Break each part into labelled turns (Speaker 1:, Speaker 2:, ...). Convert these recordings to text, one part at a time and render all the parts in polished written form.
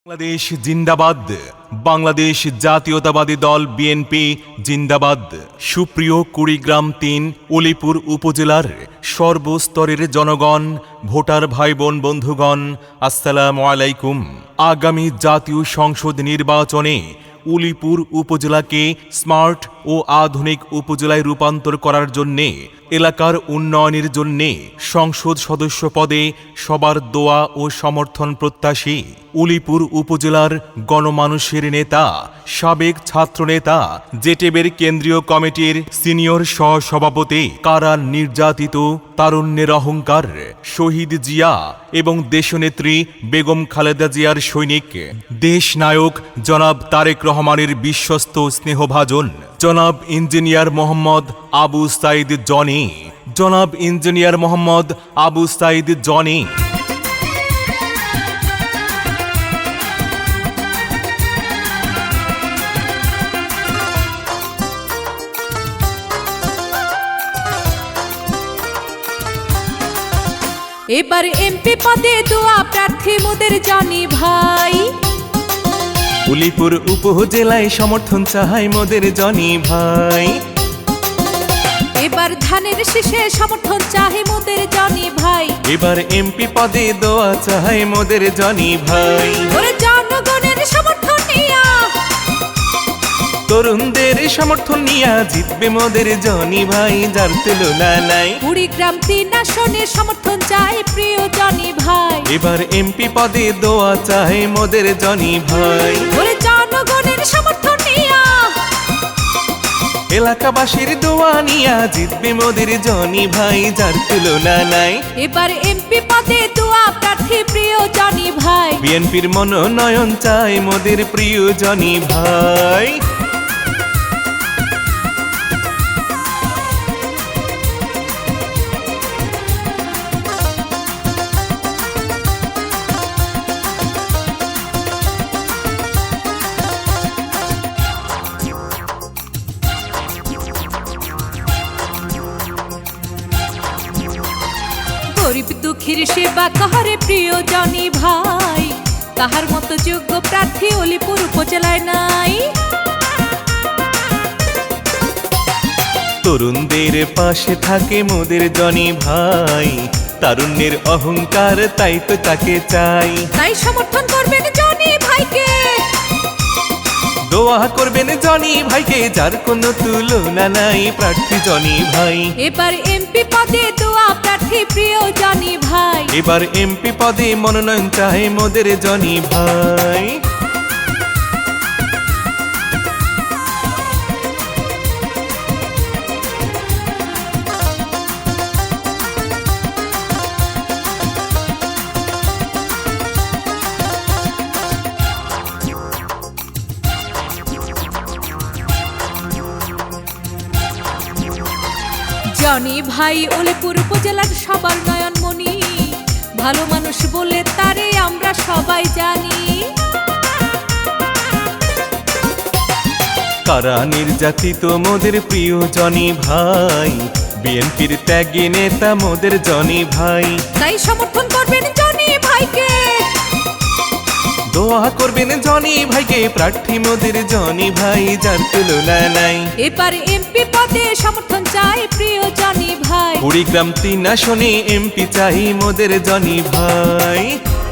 Speaker 1: বাংলাদেশ জিন্দাবাদ। বাংলাদেশ জাতীয়তাবাদী দল বিএনপি জিন্দাবাদ। সুপ্রিয় কুড়িগ্রাম ৩ উলিপুর উপজেলার সর্বস্তরের জনগণ, ভোটার ভাই বোন বন্ধুগণ, আসসালামু আলাইকুম। আগামী জাতীয় সংসদ নির্বাচনে উলিপুর উপজেলাকে স্মার্ট ও আধুনিক উপজেলায় রূপান্তর করার জন্যে, এলাকার উন্নয়নের জন্যে সংসদ সদস্য পদে সবার দোয়া ও সমর্থন প্রত্যাশী উলিপুর উপজেলার গণমানুষের নেতা, সাবেক ছাত্রনেতা, জেটেবের কেন্দ্রীয় কমিটির সিনিয়র সহসভাপতি, কারা নির্যাতিত তারুণ্যের অহংকার শহীদ জিয়া এবং দেশনেত্রী বেগম খালেদা জিয়ার সৈনিক, দেশনায়ক জনাব তারেক রহমানের বিশ্বস্ত স্নেহভাজন জনাব ইঞ্জিনিয়ার মোহাম্মদ আবু সাইদ জনি, জনাব ইঞ্জিনিয়ার মোহাম্মদ আবু সাইদ জনি।
Speaker 2: এবার এমপি পদে দোয়া প্রার্থী মোদের জনি ভাই।
Speaker 1: উলিপুর উপজেলায় সমর্থন চাই মোদের জনি ভাই।
Speaker 2: এবার ধানের শীষে সমর্থন চাই মোদের জনি ভাই।
Speaker 1: এবার এমপি পদে দোয়া চাই মোদের জনি ভাই।
Speaker 2: ওরে জনগণের সমর্থন নিয়া,
Speaker 1: তরুণদের সমর্থন নিয়া জিতবে মোদের জনি ভাই, যার তুলনা নাই।
Speaker 2: কুড়িগ্রাম ৩ আসনে সমর্থন চাই প্রিয় জনি ভাই।
Speaker 1: এবার এমপি পদে দোয়া চাই মোদের জনি ভাই।
Speaker 2: ওরে জনগণের সমর্থন নিয়া,
Speaker 1: এলাকাবাসীর দোয়া নিয়া জিতবে মোদের জনি ভাই, যার তুলনা নাই।
Speaker 2: এবার এমপি পদে দোয়া প্রার্থী প্রিয় জনি ভাই।
Speaker 1: বিএনপির মনোনয়ন চাই মোদের প্রিয় জনি ভাই।
Speaker 2: গরিব দুঃখীর সেবা কাহারে প্রিয় জনি ভাই। তাহার মতো যোগ্য প্রার্থী উলিপুর উপজেলায় নাই।
Speaker 1: তরুণদের পাশে থাকে মোদের জনি ভাই, তারুণ্যের অহংকার তাই তো তাকে চাই।
Speaker 2: তাই সমর্থন করবেন জনি ভাইকে,
Speaker 1: দোয়া করবেন জনি ভাইকে, যার কোনো তুলনা নাই প্রার্থী জনি ভাই।
Speaker 2: এবার এমপি পদে দোয়া প্রার্থী প্রিয় জনি ভাই।
Speaker 1: এবার এমপি পদে মনোনয়ন চাই মোদের জনি ভাই।
Speaker 2: জনি ভাই উলিপুর উপজেলার সবার নয়নমণি, ভালো মানুষ বলে তারে আমরা সবাই জানি।
Speaker 1: কারা নির্যাতিত মোদের প্রিয় জনি ভাই, বিএনপির ত্যাগী নেতা মোদের জনি ভাই।
Speaker 2: তাই সমর্থন করবেন জনি ভাইকে,
Speaker 1: দোয়া করবেন জনি ভাইকে, প্রার্থী মোদের জনি ভাই, যার তুলনা নাই।
Speaker 2: এবার এমপি পদে সমর্থন চাই প্রিয় জনি ভাই।
Speaker 1: কুড়িগ্রাম ৩ আসনে এমপি চাই মোদের জনি ভাই।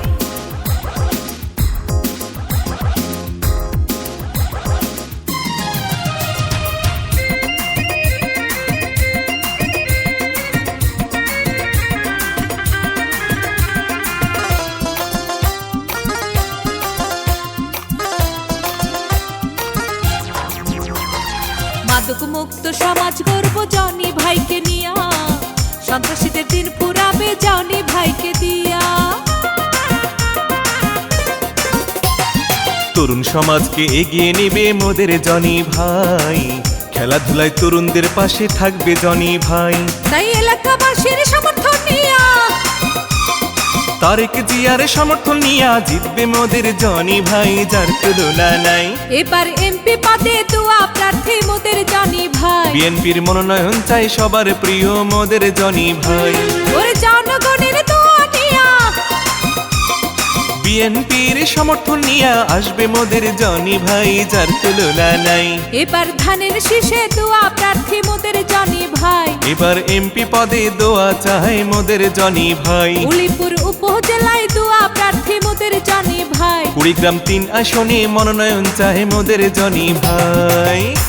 Speaker 2: মাদক মুক্ত সমাজ গর্ব জনি ভাইকে নিয়া, সন্ত্রাসীদের দিন পুরাবে জনি ভাইকে দিয়া।
Speaker 1: তরুণ সমাজকে এগিয়ে নেবে মোদের জনি ভাই, খেলাধুলায় তরুণদের পাশে থাকবে জনি ভাই।
Speaker 2: তাই এলাকাবাসীর সমর্থন নিয়া,
Speaker 1: তারেক জিয়ার সমর্থন নিয়া জিতবে মোদের জনি ভাই, যার তুলনা নাই।
Speaker 2: এবার এমপি পদে দোয়া প্রার্থী মোদের জনি ভাই।
Speaker 1: বিএনপির মনোনয়ন চাই সবার প্রিয় মোদের জনি ভাই।
Speaker 2: ওরে জনগণের দোয়া নিয়া,
Speaker 1: বিএনপির সমর্থন নিয়ে আসবে মোদের জনি ভাই, যার তুলনা নাই।
Speaker 2: এবার ধানের শীষে দোয়া প্রার্থী মোদের জনি ভাই,
Speaker 1: এবার এমপি পদে দোয়া চায় মোদের জনি ভাই।
Speaker 2: উলিপুর উপজেলায় দোয়া প্রার্থী মোদের জনি ভাই,
Speaker 1: কুড়িগ্রাম 3 আসনে মনোনয়ন চায় মোদের জনি ভাই।